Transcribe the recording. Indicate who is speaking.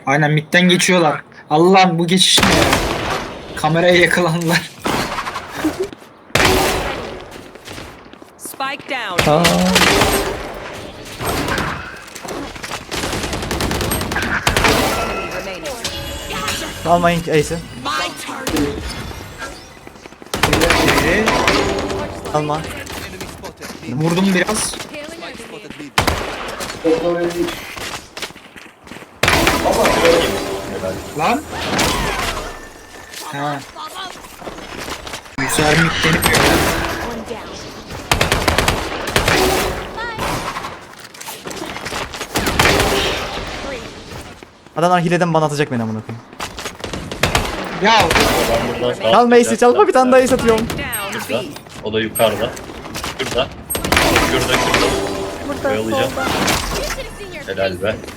Speaker 1: Aynen midden geçiyorlar. Allah'ım bu geçiş ne ya? Kameraya yakalandılar.
Speaker 2: Spike down.
Speaker 3: Aa.
Speaker 2: Enemy remaining.
Speaker 3: Almayın Ace'i. Alma.
Speaker 1: Vurdum biraz. Lan. Ha. Güzel midden yapıyor.
Speaker 3: Adamlar hileden bana atacak beni amına koyayım.
Speaker 1: Ya
Speaker 4: Ben buradan sağa
Speaker 3: Çalma Ace'i,
Speaker 4: çıkacağım.
Speaker 3: çalma, bir tane daha Ace atıyorum.
Speaker 2: Down
Speaker 4: Şurada.
Speaker 2: B.
Speaker 4: O da yukarıda. Şurada. Şurada.
Speaker 5: Burada
Speaker 4: Oyalayacağım.
Speaker 5: solda.
Speaker 4: Helal be.